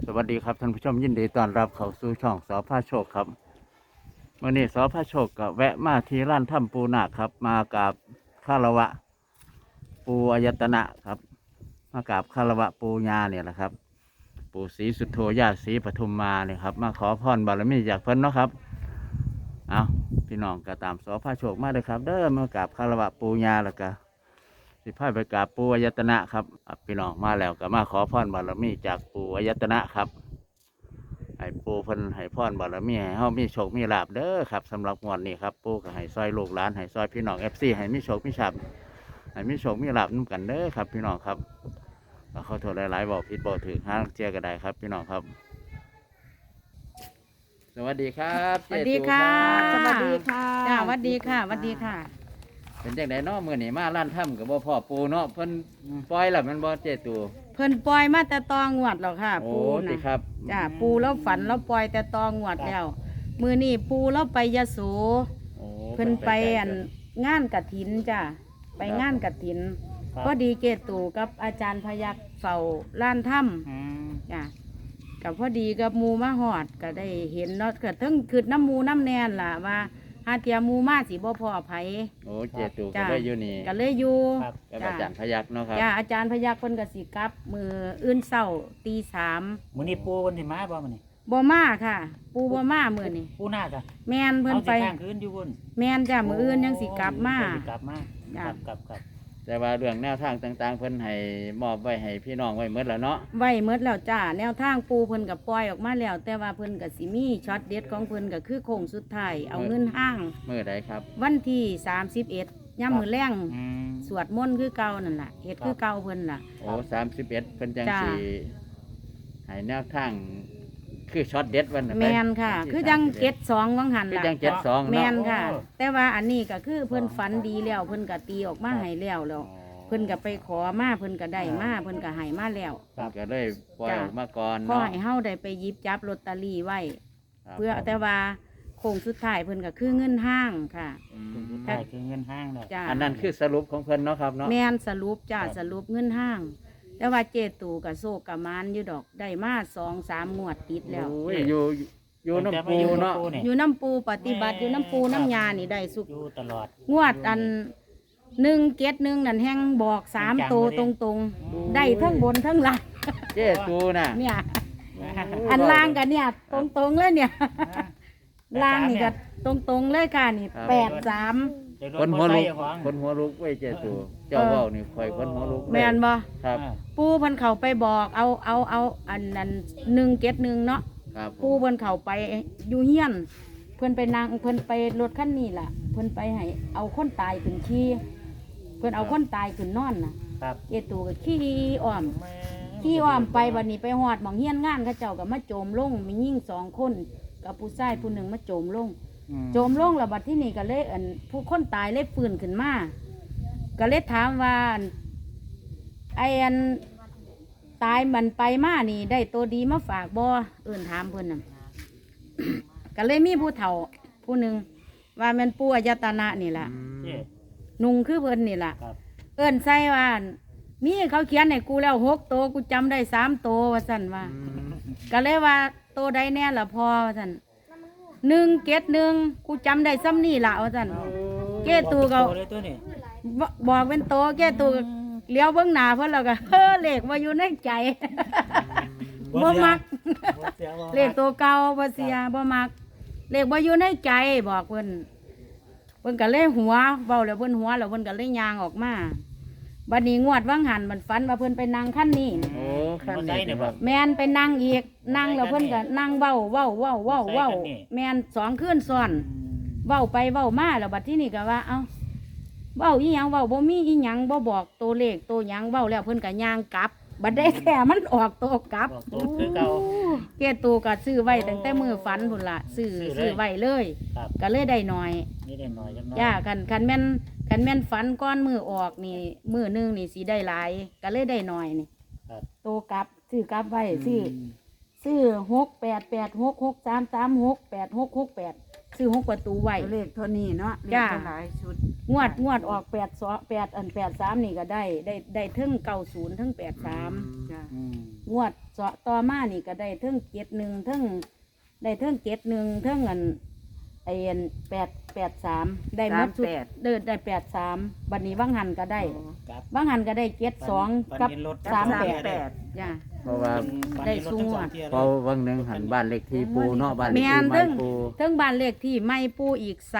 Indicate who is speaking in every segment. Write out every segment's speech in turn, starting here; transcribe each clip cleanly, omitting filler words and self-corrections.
Speaker 1: สวัสดีครับท่านผู้ชมยินดีต้อนรับเข้าสู่ช่องสพาโชคครับวันนี้สพาโชคก็แวะมาที่ร้านถ้ำปูนาคครับมากับคารวะปูอายตนะครับมากับคารวะปูญาเนี่ยแหละครับปู่ศรีสุโธย่าศรีปทุมมาเนี่ยครับมาขอพรบารมีจากเพิ่นเนาะครับเอาพี่น้องก็ตามสพาโชคมาเลยครับเด้อมากับคารวะปูญาแล้วก็สิพาไปกับปูอายตนะครับพี่น้องมาแล้วก็มาขอพรบารมีจากปูอายตนะครับให้ปูเพิ่นให้พรบารมีให้เฮามีโชคมีลาภเด้อครับสำหรับงวดนี้ครับปูก็ให้ซอยลูกหลานให้ซอยพี่น้องFCให้มีโชคมีลาภให้มีโชคมีลาภนำกันเด้อครับพี่น้องครับขอโทษหลายๆบอกผิดบอกถึงห้างเจียก็ได้ครับพี่น้องครับสวัสดีครับ
Speaker 2: สวัสดีค่ะ
Speaker 1: เจ๊ตู่
Speaker 2: สวัสดี
Speaker 1: ครับ
Speaker 2: ค่ะจ้าสวัสดีค่ะสวัสดีค่ะ
Speaker 1: เป็นจังไดเนาะมื้อนี้มาร้านถ้ำกับบ่พ่อปูเนาะเพิ่นปล่อยแล้วมันบ่เจ๊ตู่
Speaker 2: เพิ่นปล่อยมาแต่ตองวดแล้วค่ะ
Speaker 1: โอ้
Speaker 2: ปู
Speaker 1: ติ
Speaker 2: นะ
Speaker 1: ครับ
Speaker 2: จ้าปูแล้วฝันแล้วปล่อยแต่ตองวดแล้ว มือนี่ปูแล้วไปยโส
Speaker 1: โอ้
Speaker 2: เพิ่นไปอันงานกฐินจ้าไปงานกฐินพอดีเกตู่กับอาจารย์พยัคฆ์เฝ้าล้านถ้ำจ้ากับพอดีกับหมูมาหอดก็ได้เห็นเนาะก็ทั้งคือน้ำหมูน้ำแนนล่ะว่าหาเทียหมูมาสิบ่พอไผ
Speaker 1: โอ้เจ๊ตู่ก็
Speaker 2: จ้า
Speaker 1: เลยอยู่นี่
Speaker 2: ก็เลยอยู่
Speaker 1: กับอาจารย์พยัคฆ์เนาะครับ
Speaker 2: จ้าอาจารย์พยัคฆ์เพิ่นก็สิกลับมืออื่นเช้าตี
Speaker 3: มื้อนี้ปูวันที่มาบ่มื้อนี้
Speaker 2: 3บ่มาค่ะ ปูบ่มามื้อนี้
Speaker 3: ปูนาจ้ะ
Speaker 2: แม่นเพิ่น
Speaker 3: เอา
Speaker 2: ไป
Speaker 3: สิข้างคืนอยู่บน
Speaker 2: แม่นจ้ามื้ออื่นยังสิกลับมา
Speaker 3: สิกลับมา
Speaker 2: จ้ะ
Speaker 3: ครับ
Speaker 1: แต่ว่าเรื่องแนวทางต่างๆ เพิ่นให้มอบไว้ให้พี่น้องไว้หมดแล้วเนาะ
Speaker 2: ไว้หมดแล้วจ้าแนวทางปูเพิ่นก็ปล่อยออกมาแล้ว แต่ว่าเพิ่นก็สิมีช็อตเด็ดของเพิ่นก็คือโค้งสุดท้ายเอาเงินห้าง
Speaker 1: มื้อใดครับ
Speaker 2: วันที่31ยามมื้อแลง
Speaker 3: อืม
Speaker 2: สวดมนต์คือเก่านั่นล่ะเฮ็ดคือเก่าเพิ่นล่ะ
Speaker 1: โอ้31เพิ่นจัง
Speaker 2: จ้า
Speaker 1: สิให้แนวทางคือช็อตเด็ดวันน่ะไป
Speaker 2: แม่นค่ะ
Speaker 1: วันที่
Speaker 2: คือจัง
Speaker 1: 31
Speaker 2: เก็ดสองวังหัน
Speaker 1: คือ
Speaker 2: ล่ะ
Speaker 1: จัง72
Speaker 2: แม่
Speaker 1: เนาะ
Speaker 2: นค่ะ แต่ว่าอันนี้ก็คือเพิ่นฝันดีแล้วเพิ่นก็ตีออกมาให้แล้วเพิ่นก็ไปขอมาเพิ่นก็ได้มาเพิ่นก็ให้มาแล้ว
Speaker 1: เพิ่นก็เลยปล่อยออกมาก่อน
Speaker 2: ขอ
Speaker 1: เนาะ
Speaker 2: ให้เฮาได้ไปหยิบจับลอตเตอรี่ไว้
Speaker 1: ครับ
Speaker 2: เพื่อแต่ว่าโค้งสุดท้ายเพิ่นก็คือเงินห้างค่ะ
Speaker 1: อื
Speaker 3: คุณ
Speaker 1: ม
Speaker 3: สุดท้ายคือเงินห้างแล้ว
Speaker 2: จ้า
Speaker 1: อันนั้นคือสรุปของเพิ่นเนาะครับเนาะ
Speaker 2: แม่นสรุปจ้า
Speaker 3: ครับ
Speaker 2: สรุปเงินห้าง แต่ว่าเจตูกับโซกกับมานอยู่ดอกได้มา2-3 งวดติดแล้ว
Speaker 1: โอ้ยอยู่น้ำปูเนาะ
Speaker 2: อยู่น้ำปูปฏิบัติอยู่น้ำปูน้ำยานี่ได้สุก
Speaker 3: อยู่ตลอด
Speaker 2: งวดอัน171นั่นแห้งบอก3 ตัวตรงๆ ได้ทั้งบนทั้งล่าง
Speaker 1: เจ๊ตูน่ะ
Speaker 2: เนี่ย อันล่างกันเนี่ย ตรงๆเลยเนี่ยล่างนี่ก็ตรงๆเลยค่ะนี่83
Speaker 3: เดี๋ยวรถ
Speaker 1: คนหัว
Speaker 3: มอ
Speaker 1: ลุ
Speaker 3: ไซ
Speaker 1: ก
Speaker 3: ค์ของ
Speaker 1: คนหัวลุกไว้เจ๊ตูเจ้าเว้านี่ข่อยคนหัวลุกเลย
Speaker 2: แม่นบ่
Speaker 1: ครับ
Speaker 2: ปูเพิ่นเข้าไปบอกเอาอันนั้น171เนาะ
Speaker 1: ครับ
Speaker 2: ปูเพิ่นเข้าไปอยู่เฮียน เพิ่นไปนั่งเพิ่นไปรถคันนี้ล่ะ เพิ่นไปให้เอาคนตายขึ้นขี่เพิ่นเอาคนตายขึ้นนอนน่ะ
Speaker 3: ครับ
Speaker 2: เจตูก็ขี่อ้อมขี่อ้อมไปวันนี้ไปฮอดหม่องเฮียนงานเขาเจ้าก็มาโจมลงมียิ่ง2 คนกับผู้ชายผู้หนึ่งมาโจมลง โจมลงแล้วบัดที่นี่ก็เลยผู้คนตายเลยฟื้นขึ้นมาก็เลยถามว่าไอ้อันตายมันไปมานี่ได้ตัวดีมาฝากบ่ถามเพิ่นน่ะ ก็เลยมีผู้เฒ่าผู้หนึ่งว่าแมันปู่อายตนะนี่ล่ะ
Speaker 3: เจ๊
Speaker 2: นุ่งคือเพิ่นนี่ล่ะ
Speaker 3: ครับ
Speaker 2: ใส่ว่ามีเขาเขียนให้กูแล้ว6 ตัวกูจำได้3 ตัวว่าซั่นว่า ก็เลยว่าตัวใดแน่ละพอว่าซั่น171กูจำได้ซ้ำนี่ล่ะว่าซั่นเก้ตูก็
Speaker 3: โตเลยตัวนี้
Speaker 2: บอกเป็นโตเก้ตูก็เลี้ยวเบิ่งหน้าเพิ่นแล้วก็ เลขว่าอยู่ในใจ บ่มัก
Speaker 3: บ่สียบ่
Speaker 2: เลขตัวเก่าบ่เสียบ่มัก เลขบ่อยู่ในใจบอกเพิ่นก็เลยหัวเว้าแล้วเพิ่นหัวแล้วเพิ่นก็เลยย่างออกมาบัดนี้งวดว่างหันมันฝันว่าเพิ่นไปนั่งคันนี้
Speaker 1: โอ้ขั้นนี้สิครับ
Speaker 2: แมนไปนั่งอีกนั่งแล้วเพิ่นก็นั่งเว้าแมน2 คืนซ้อน เว้าไปเว้ามาแล้วบัดที่นี่ก็ว่าเอ้าเว้าอีหยังเว้าบ่มีอีหยังบ่บอกตัวเลขตัวหยังเว้าแล้วเพิ่นก็ย่างกลับ บัดได้แท้มันออกตัวกลับ
Speaker 3: บอกตัวคือเก่า
Speaker 2: เกตูก็ซื้อไว้ตั้งแต่มื้อฝันพุ่นล่ะซื้อ
Speaker 3: ซื้อเลย
Speaker 2: ซื้อไว้เลย
Speaker 3: ครับ
Speaker 2: ก็เลยได้น้อย
Speaker 3: นี่ได้หน่อยจังน้อย
Speaker 2: จ้าคันแม่นฝันก้อนมือออกนี่มื้อหนึงนี่สิได้หลายก็เลยได้น้อยนี่
Speaker 3: ครับ
Speaker 2: ตัวกลับซื้อกลับไว้ซื้อ6886633686668ซื้อ6 ประตูไว้
Speaker 4: เลขเท่านี้เนาะเลข
Speaker 2: จ้า
Speaker 4: เท่าหลายชุด
Speaker 2: งวดออก8 อัน83นี่ก็ได้เทิง90เทิง83
Speaker 4: จ้ะ
Speaker 2: งวดต่อมานี่ก็ได้เทิง71เทิงได้เทิง71เทิงอันไอ้อัน883ได้หมดชุดได้83บัดนี้บางหันก็ได้
Speaker 3: ครับ
Speaker 2: บางหันก็ได้72กับ
Speaker 3: ฝันเห็นรถ
Speaker 2: 38จ้ะ
Speaker 1: เพราะว่า
Speaker 2: ได้สูงอะ
Speaker 1: เพราะวังหนึงหันบ้านเลขที่ปูเนาะบ้านเลข
Speaker 2: แม่
Speaker 1: ที่
Speaker 2: น
Speaker 1: ไม้ปู
Speaker 2: เทิงบ้านเลขที่ไม่ปูอีก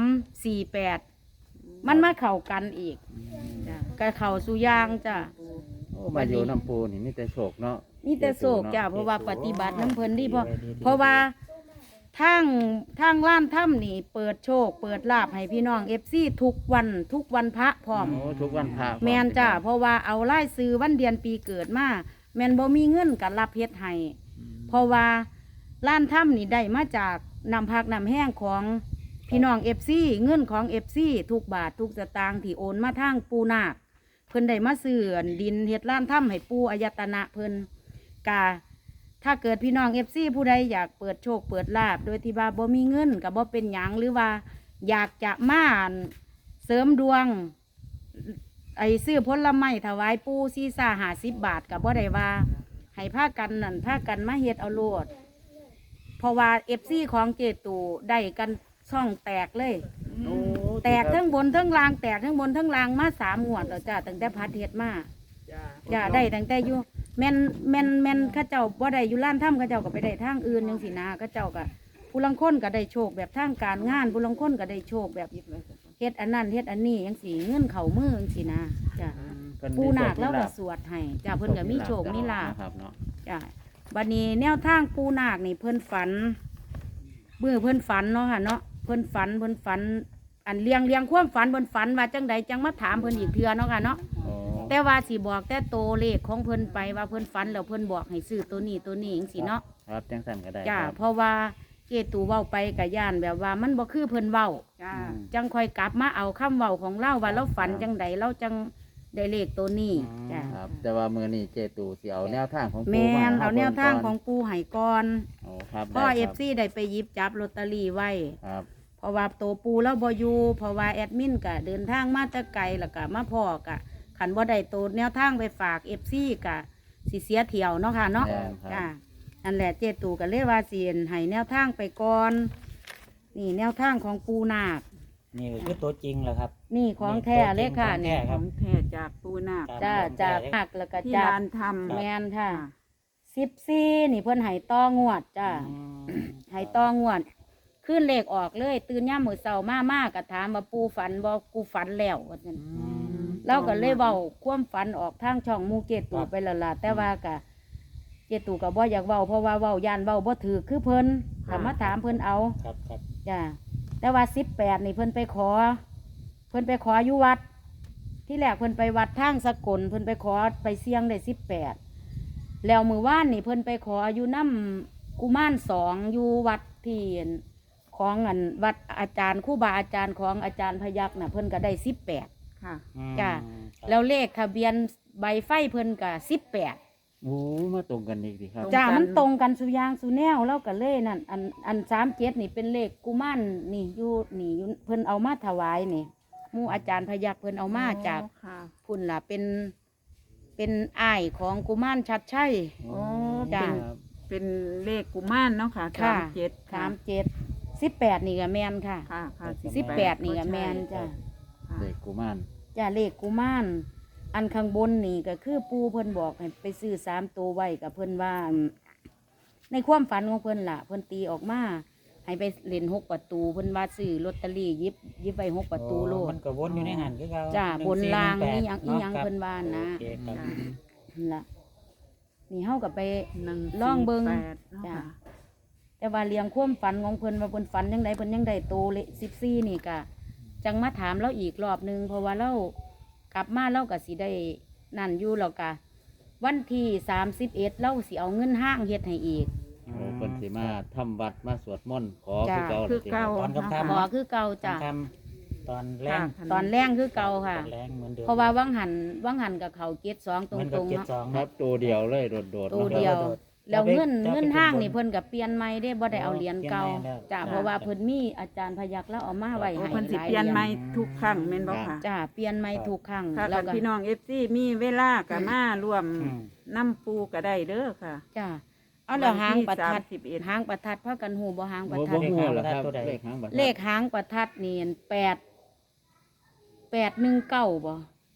Speaker 2: 348มันมาเข้ากันอีกจ้ะก็เข้าสู่อย่างจ้ะ
Speaker 1: โอ้มาอยู่น้ำปูนี่มีแต่โชคเนาะ
Speaker 2: มีแต่โศกจ้ะเพราะว่าปฏิบัติน้ำเพลินดีเพราะว่าทางร้านถ้ำนี่เปิดโชค เปิดลาบให้พี่น้องFCทุกวันพระพร้อม
Speaker 1: โอ้ทุกวันพระ
Speaker 2: แมนจ้ะเพราะว่าเอาไล่ซื้อวันเดือนปีเกิดมาแมนบ่มีเงินกับรับเฮ็ดให้เพราะว่าร้านถ้ำนี่ได้มาจากนำพักนำแห้งของพี่น้องFCเงินของFCทุกบาททุกสตางค์ที่โอนมาทางปูนาคเพิ่นได้มาซื้อดินเฮ็ดร้านถ้ำให้ปูอายตนะเพิ่นกาถ้าเกิดพี่น้องFCผู้ใดอยากเปิดโชคเปิดลาบโดยที่ว่าบ่มีเงินกับบ่เป็นหยังหรือว่าอยากจะมาเสริมดวงไอ้ซื้อผลไม้ถวายปูซีซ่า50 บาทกับบ่ได้ว่าให้พากันนั่นพากันมาเฮ็ดเอาโลดเพราะว่า FC ของเจตูได้กันช่องแตกเลย
Speaker 1: โอ้
Speaker 2: แตกทั้งบนทั้งล่างแตกทั้งบนทั้งล่างมา3 งวดแล้วจ้าตั้งแต่พัดเฮ็ดมา จ้าได้ตั้งแต่อยู่แม่นข้าเจ้าบ่ได้อยู่ร้านถ้ำข้าเจ้าก็ไปได้ทางอื่นจังสินะข้าเจ้าก็ผู้ลังคนก็ได้โชคแบบทางการงานผู้ลังคนก็ได้โชคแบบเฮ็ดอันนั้นเฮ็ดอันนี้จังสิเงินเข้ามือจังสินะจ้า
Speaker 1: เพิ่นมี
Speaker 2: ปูนาค
Speaker 1: โช
Speaker 2: แล้ว
Speaker 1: มี
Speaker 2: ก็
Speaker 1: ลาภ
Speaker 2: สวดให้จ้าเพิ่นก็มีโชคมีลาภ
Speaker 1: นะครับเนาะ
Speaker 2: จ้าบัดนี้แนวทางปูนาคนี่เพิ่นฝันเมื่อเพิ่นฝันเนาะค่ะเนาะเพิ่นฝันอันเลี้ยงความฝันเพิ่นฝันว่าจังใดจังมาถามเพิ่นอีกเทื่อเนาะค่ะเนาะ
Speaker 1: โอ้
Speaker 2: แต่ว่าสิบอกแต่โตวเลขของเพิ่นไปว่าเพิ่นฝันแล้วเพิ่นบอกให้ซื้อตัวนี้จังซี่เนาะ
Speaker 1: ครับจังสั่นก็ได้
Speaker 2: จ้า
Speaker 1: ครับ
Speaker 2: เพราะว่าเจตูเว้าไปกับย่านแบบว่ามันบ่คือเพิ่นเว้า
Speaker 4: จ้า
Speaker 2: จังค่อยกลับมาเอาคำเว้าของเราว่าเราฝันจังใดเราจังได้เลขตัวนี้จ้า
Speaker 1: ครับ แต่ว่ามื้อนี้เจตูสิเอาแนวทางของปู
Speaker 2: แม่น
Speaker 1: ให้
Speaker 2: เอาแนวทาง
Speaker 1: บิ่
Speaker 2: ของปูไห้ก่อน
Speaker 1: โอ้ครับ
Speaker 2: พ่อ
Speaker 1: ได้
Speaker 2: เอ
Speaker 1: ค
Speaker 2: ฟ
Speaker 1: รับ
Speaker 2: ซีได้ไปหยิบจับลอตเตอรี่ไว้
Speaker 1: ครับ
Speaker 2: เพราะว่าตัวปูแล้วบ่อยู่เพราะว่าแอดมินก็เดินทางมาแต่ไกลแล้วก็มาพ่อกะขันบ่ได้ตัวแนวทางไปฝาก FC กะสิเสียเที่ยวเนาะค่ะเนาะ
Speaker 1: แม่นครับ
Speaker 2: จ้านั่นแหละเจตูก็เลยว่าสิให้แนวทางไปก่อนนี่แนวทางของปูนาค
Speaker 3: นี่คือตัวจริงเหรอครับ
Speaker 2: นี่ของแท้เลยค่ะ
Speaker 3: ของแท้
Speaker 2: นี่
Speaker 3: ครับ
Speaker 4: ของแท้จากปูนาค
Speaker 2: จ้าจากหักแล้วก็
Speaker 4: ที่
Speaker 2: จาก
Speaker 4: ร้านทำ
Speaker 2: แมนค่ะ14นี่เพิ่นให้ต้องวดจ้า ให้ต้องวดขึ้นเลขออกเลย ตื่นย่ามมื้อเช้ามากก็ถามว่าปูฝันบ่กูฝันแล้วว่าซั่นเราก็เลยเว้าความฝันออกทางช่องหมู่เจตูไปแล้วล่ะแต่ว่าก็เจตูก็บ่อยากเว้าเพราะว่าเว้าย่านเว้าบ่ถือคือเพิ่นถ้ามาถามเพิ่นเอา
Speaker 3: ครับครับ
Speaker 2: จ้าแต่ว่า18นี่เพิ่นไปขออยู่วัด ที่แรกเพิ่นไปวัดทางสกลเพิ่นไปขอไปเสี่ยงได้18แล้วมื้อวานนี่เพิ่นไปขออยู่น้ำกุมาร2อยู่วัดที่ของอันวัดอาจารย์ครูบาอาจารย์ของอาจารย์พยัคฆ์น่ะเพิ่นก็ได้18
Speaker 4: ค่ะ
Speaker 2: จ้ะ
Speaker 3: ครับ
Speaker 2: แล้วเลขทะเบียนใบไฟเพิ่นก็18
Speaker 1: โอ้มาตรงกันอีกดีครับ
Speaker 2: จ้ามันตรงกันสุอยางสุแนวแล้วก็เลยนั่นอัน37นี่เป็นเลขกุมารนี่อยู่เพิ่นเอามาถวายนี่หมู่อาจารย์พยัคฆ์เพิ่นเอามาจาก
Speaker 4: ค่ะ
Speaker 2: พุ่นล่ะเป็นอ้ายของกุมารชัดชัย
Speaker 1: โอ้
Speaker 2: จ้ะ
Speaker 1: ครับ
Speaker 4: เป็นเลขกุมารเนาะค่ะ
Speaker 2: ค่ะ
Speaker 4: 37
Speaker 2: 18นี่ก็แม่นค่ะ
Speaker 4: ค่ะค่ะ
Speaker 2: 18นี่ก็แม่นจ้ะ
Speaker 4: ค่ะ
Speaker 1: เด็กกุมาร
Speaker 2: จ้ะเลขกุมารอันข้างบนนี่ก็คือปู่เพิ่นบอกให้ไปซื้อ3ตัวไว้กับเพิ่นว่า ในความฝันของเพิ่นล่ะเพิ่นตีออกมาให้ไปเล่น6 ประตูเพิ่นว่าซื้อลอตเตอรี่หยิบไว้6 ประตูโลด
Speaker 3: มันก็วนอยู่ในหันคือเรา
Speaker 2: จ้ะบนราง
Speaker 3: 1418
Speaker 2: อีหยัง
Speaker 3: ครับ
Speaker 2: เพิ่นว่านะ
Speaker 3: โอเคครับ
Speaker 4: จ้ะ
Speaker 2: นั่นล่ะนี่เฮาก็ไป
Speaker 4: 1
Speaker 2: ลองเบิ่ง
Speaker 4: 4 8เนาะ
Speaker 2: จ้ะ
Speaker 4: ค่ะ
Speaker 2: แต่ว่าเลี้ยงความฝันของเพิ่นว่าเพิ่นฝันยังไงเพิ่นยังได้โตเลย14นี่ก็จังมาถามเราอีกรอบหนึงเพราะว่าเรากลับมาเราก็สิได้นั่นอยู่แล้วก็วันที่31เราสิเอาเงินห้างเฮ็ดให้อีก
Speaker 1: โอ้เพิ่นสิมาทำวัดมาสวดมนต์ขอ
Speaker 2: จ้ะ
Speaker 1: คือเก่า
Speaker 4: คือเก่า
Speaker 3: ตอนค่ำ
Speaker 2: ขอคือเก่าจ้ะ
Speaker 3: ทำตอนแรง
Speaker 4: ค่ะ
Speaker 2: ตอนแรงคือเก่าค่ะ
Speaker 3: ตอนแรงเหมือนเดิม
Speaker 2: เพราะว่าวังหันกับเขาเจ็ดสองต
Speaker 3: เหมือนกับ
Speaker 2: รงๆ
Speaker 3: เจ็ด
Speaker 2: เนาะ
Speaker 3: สอง
Speaker 1: ครับตัวเดียวเลยโดดๆ
Speaker 2: ตัว
Speaker 1: นาะ
Speaker 2: เดียวแล้วเงิน
Speaker 3: จะไป
Speaker 2: เงินห้าง
Speaker 3: ขึ้นบน
Speaker 2: นี่เพิ่นก็เปลี่ยนใหม่ได้บ่ได้เอาเหรียญเก่า
Speaker 3: เปลี่ยนใหม่แล้ว
Speaker 2: จ้ะเพราะว่าเพิ่นมีอาจารย์พยัคฆ์แล้วเอามาไว้
Speaker 4: โอ้
Speaker 2: ให้
Speaker 4: เพิ่นสิ
Speaker 2: หลาย
Speaker 4: เปลี่ยน
Speaker 2: หรีญ
Speaker 4: ใหม่ทุกครั้งแม่นบ่ค่ะ
Speaker 2: จ้ะเปลี่ยนใหม่ทุกครั้ง
Speaker 4: ถ้า
Speaker 2: แล้ว
Speaker 4: คัน
Speaker 2: ก็
Speaker 4: พี่น้อง FC มีเวลาก็มาร่วม
Speaker 3: อืม
Speaker 4: น้ำปูก็ได้เด้อค่ะ
Speaker 2: จ้ะเอาแล้วหางประทัด
Speaker 4: วันที่31
Speaker 2: หางประทัดพากันฮู้บ่หางประ
Speaker 1: บ่
Speaker 2: ทั
Speaker 1: บ่
Speaker 2: ด
Speaker 1: ฮู้เหรอครับ
Speaker 3: ตัวใด
Speaker 1: เลขหางบัตร
Speaker 2: เลขหางประทัดนี่8 819บ่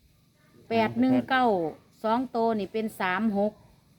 Speaker 2: 819 2โตวนี่เป็น36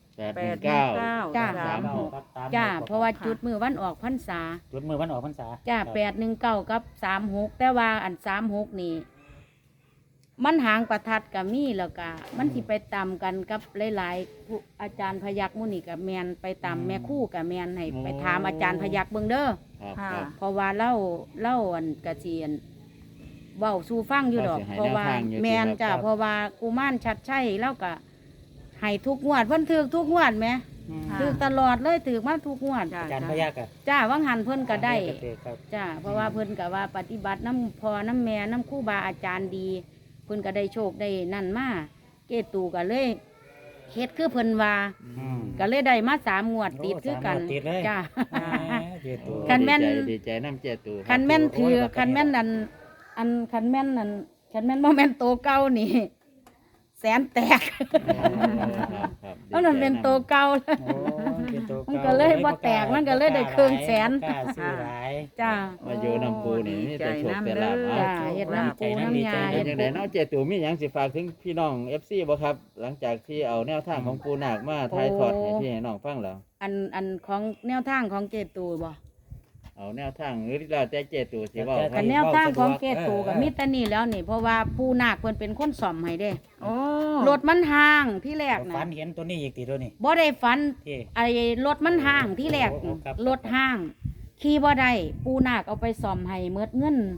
Speaker 1: 819
Speaker 2: จ้ะ
Speaker 1: 36
Speaker 3: ครับตม
Speaker 2: จ้า
Speaker 3: ลข
Speaker 2: เพราะว่าจุดมือวันออกพรรษา
Speaker 3: จุดมือวันออกพรรษา
Speaker 2: จ้า
Speaker 3: ครับ
Speaker 2: 819กับ36แต่ว่าอัน36นี่ มันหางประทัดกับมีแล้วก็มันสิไปตามกันกับหลายๆผู้อาจารย์พยัคฆ์หมุนี่กับแมนไปตามแม่ครู่กับแมนให้ไปถามอาจารย์พยัคฆ์เบิ่งเด้อ
Speaker 1: ครับ
Speaker 4: ค่ะ
Speaker 1: ครับ
Speaker 2: เพราะว่าเล่าอันกระเจียนเว้าสู่ฟังอยู่ดอก
Speaker 1: ว่าสิให้
Speaker 2: เพราะว่า
Speaker 1: แนวทางอยู่
Speaker 2: แมน
Speaker 1: ที่
Speaker 2: จ้า
Speaker 1: ครับ
Speaker 2: เพราะว่ากุมารชัดชัยแล้วก็ให้ทุกงวดเพิ่นถือทุกงวดแหม
Speaker 3: อืม
Speaker 4: ค่ะ
Speaker 2: ถือตลอดเลยถือมาทุกงวด
Speaker 4: จ้ะ
Speaker 3: อาจารย์พยักษ์อะ
Speaker 2: จ้าวังหันเพิ่นก็ได้
Speaker 3: ครับ
Speaker 2: จ้าเพราะว่าเพิ่นก็ว่าปฏิบัติน้ำพอน้ำแม่น้ำครู่บาอาจารย์ดี เพิ่นก็ได้โชคได้นั่นมาเกตูก็เลยเฮ็ดคือเพิ่นว่า
Speaker 3: อืม
Speaker 2: ก็เลยได้มา3 งวดติด
Speaker 3: โอ้
Speaker 2: คือกัน
Speaker 3: สามงวดติดเลย
Speaker 2: จ้า
Speaker 3: แหมเจตู
Speaker 2: คันแม่น
Speaker 1: ดีใจน้ำเจตู
Speaker 2: คันแม่นถือ
Speaker 3: โอ้ย
Speaker 2: คันแม่นอันคันแม่นคันแม่นบ่แม่นโตเก่านี่ แสนแตก เพราะมันเป็นโตเก่า
Speaker 3: โอ้เจตู
Speaker 2: มันก็เลยบ่แตกมันก็เลยได้ครึ่งแสน
Speaker 3: บ่กล้าซื้อหลาย
Speaker 2: จ้า
Speaker 1: มาอยู่น้ำปูนี่มีแต่โชคแต่ลาภ
Speaker 2: จ้า
Speaker 1: เอา
Speaker 2: เฮ็ดน้ำปูน้ำยา
Speaker 1: เป็
Speaker 2: เฮ็
Speaker 1: น
Speaker 2: ด
Speaker 1: จังไดเนาะเจตูมีหยังสิฝากถึงพี่น้อง FC บ่ครับ หลังจากที่เอาแนวทางของปูนาคมาถ่ายทอดให้พี่ให้น้องฟังแล้ว
Speaker 2: อันของแนวทางของเกตูบ่
Speaker 1: เอาแนวทางหรือแล้วแต่เจตูสิเว้าค
Speaker 2: กั
Speaker 1: รับ
Speaker 2: นแนวทางของเกตูกับมิตรนี่แล้วนี่เพราะว่าผู้นาคเพิ่นเป็นคนซ่อมให้เด้
Speaker 4: โอ้
Speaker 2: รถมันห่างที่แรก
Speaker 3: ฝั
Speaker 2: นะ
Speaker 3: นเห็นตัวนี้อีกตีตัวนี้
Speaker 2: บ่ได้ฝัน
Speaker 3: ที่
Speaker 2: ไอ้รถมันห่างที่แรก
Speaker 3: โอ้ครับ
Speaker 2: รถห่าง ขี่บ่ได้ปูนาคเอาไปซ่อมให้เมิดเงิน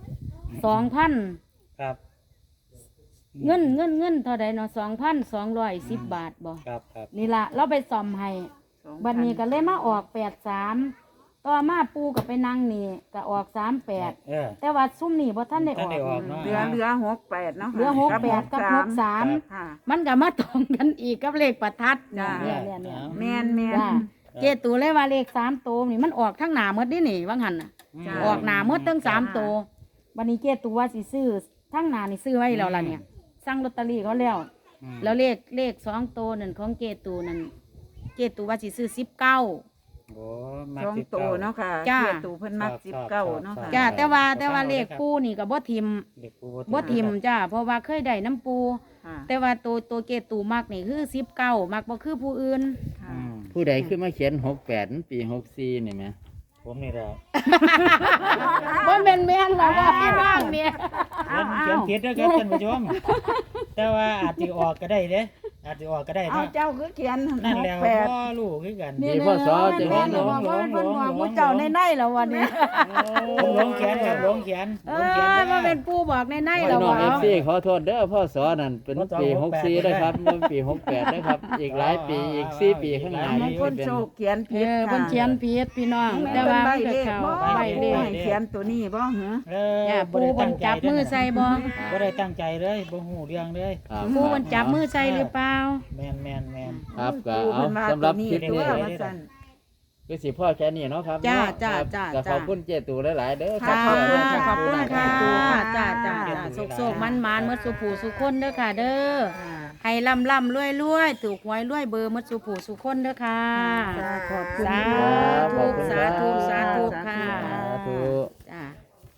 Speaker 2: 2,000
Speaker 3: ครับ
Speaker 2: เงินเท่าใดเนาะ2,210 บาทบ่
Speaker 3: ครับครับ
Speaker 2: นี่ล่ะเราไปซ่อมให้
Speaker 4: 2,000
Speaker 2: บัดนี้ก็เลยมาออก83ต่อมาปูก็ไปนั่งนี่ก็ออก38
Speaker 3: เออ
Speaker 2: แต่ว่าซุ่มนี่บ่ทันได้อ
Speaker 3: ทั
Speaker 2: อน
Speaker 3: ได้ออก
Speaker 2: ก
Speaker 3: เนาะ
Speaker 4: เหลือ68เนาะค่ะ
Speaker 2: เหลือ68กับ63
Speaker 4: ค่ะ
Speaker 2: มันก็มาตรงกันอีกกับเลขประทัด
Speaker 4: จ้ะ
Speaker 2: เนี่ย
Speaker 4: แม่นแม่น
Speaker 2: จ้าเจตูเลยว่าเลข3ตัวนี่มันออกทั้งหน้าหมดนี่นี่ว่างหันน่ะ
Speaker 4: จ้ะ
Speaker 2: ออกหน้าหมดทั้ง
Speaker 4: จ้ะ
Speaker 2: 3ตัววันนี้เจตูว่าสิซื้อทั้งหน้านี่ซื้อไว้แล้วล่ะเนี่ยสั่งลอตเตอรี่เขาแล้ว
Speaker 3: อืม
Speaker 2: แล้วเลข2ตัวนั่นของเจตูนั่นเจตูว่าสิซื้อ19
Speaker 3: โอ้มา
Speaker 4: สอง
Speaker 3: สิบ
Speaker 4: โต
Speaker 3: เก้า
Speaker 4: เนาะค่ะ
Speaker 2: จ้ะ
Speaker 4: เกียรตูเพิ่นมัก19เนาะค่ะ
Speaker 2: จ้าแต่ว่าเลขปูนี่ก็บ่ทิม
Speaker 3: เด็กปู
Speaker 2: บ่ทิมจ้าเพราะว่าเคยได้น้ำปู
Speaker 4: ค่ะ
Speaker 2: แต่ว่าตัวเจตูมักนี่คือ19มักบ่คือผู้อื่น
Speaker 4: ค่ะ
Speaker 3: อืม
Speaker 1: ผู้ใดขึ้นมาเขียน68มันปี64นี่แหม
Speaker 3: ผมนี่แหละ
Speaker 2: บ่แม่นหรอกว่าพี่น้องเนี่ย
Speaker 3: เขียนผิดแล้วครับท่านผู้ชม แต่ว่าอาจจะออกก็ได้เด้อาจจะออกก็ได้
Speaker 4: เอา
Speaker 3: เนาะ
Speaker 4: เจ้าคือเขียน
Speaker 3: นั่นแหละ
Speaker 4: 68
Speaker 3: พ่อลูกคือกัน
Speaker 1: นี่พ่อสอจะ
Speaker 2: แม่
Speaker 1: เห็น
Speaker 2: น
Speaker 1: หล
Speaker 2: บอก
Speaker 1: ง
Speaker 2: ว่าเพิ่นบอกผู้เจ้าในแล้ววันนี้
Speaker 3: ผมหลงเขียนครับหลงเขียน
Speaker 2: เอ
Speaker 3: หลงเขียน
Speaker 2: อ
Speaker 3: ด้
Speaker 2: มาเป็นปูบอกใน
Speaker 1: พี่
Speaker 2: แล้ว
Speaker 1: น้อง
Speaker 2: ว่า
Speaker 1: FC ขอโทษเด้อพ่อสอนั่นเป็นปี64นะครับมันปี68นะครับ อีกหลายปีอีก4ปีข้างหน้า
Speaker 4: บาง
Speaker 1: นี่
Speaker 4: คน
Speaker 1: เป็น
Speaker 4: โชคเขียน
Speaker 2: เอ
Speaker 4: ผิด
Speaker 2: อ
Speaker 4: ค่ะ
Speaker 2: เพิ่นเขียนผิดพี่น้อง
Speaker 4: แต่
Speaker 2: แต่
Speaker 4: ว่า
Speaker 2: ว่า
Speaker 4: ใบ
Speaker 2: มันก็
Speaker 4: เลข
Speaker 2: เข้า
Speaker 4: บ่
Speaker 2: ใบเล
Speaker 4: ผู้
Speaker 2: ข
Speaker 4: ให้เขียนตัวนี้บ่เหรอ
Speaker 3: เออ
Speaker 2: เนี่ย
Speaker 3: บ่
Speaker 2: ปู
Speaker 3: ได้
Speaker 2: เพิ่นจับมือใส่บ่
Speaker 3: บ่ได้ตั้งใจเลยบ่ฮู้เรื่องเลย
Speaker 1: ครับ
Speaker 2: ปูเพิ่นจับมือใส่หรือเปล่า
Speaker 3: แม่น
Speaker 1: ครับก็
Speaker 4: ผู้
Speaker 1: เอา
Speaker 4: เพิ่นว่า
Speaker 1: สำหรับ
Speaker 4: ตัวนี้
Speaker 1: คลิป
Speaker 4: ตั
Speaker 1: นี้
Speaker 4: วว่าซั่น
Speaker 1: คือสิพ่อแค่นี้เนาะครับ
Speaker 2: จ้า
Speaker 1: เนาะ
Speaker 2: จ้า
Speaker 1: ครับ
Speaker 2: จ้า
Speaker 1: ก็ข
Speaker 2: จ้า
Speaker 1: อบคุณเจตูหลายๆเด้อ
Speaker 2: ค่ะ
Speaker 4: ขอบคุณ
Speaker 1: ที่
Speaker 4: ค่ะ
Speaker 1: เอา
Speaker 2: ขอบคุณ
Speaker 1: แนวทา
Speaker 2: ค่ะ
Speaker 1: ง
Speaker 2: จ้าจ้าโศกๆมันๆเมื่อสุผูสุคนเด้อค่ะเด้อ ให้ล่ำรวยถูกหวยรวยเบอร์หมัดสุผูสุคนเด้อค่ะ
Speaker 4: ขอบคุณ
Speaker 2: สา
Speaker 4: ค่ะ
Speaker 2: ธุสาธุสาธุค่ะ
Speaker 1: สาธุ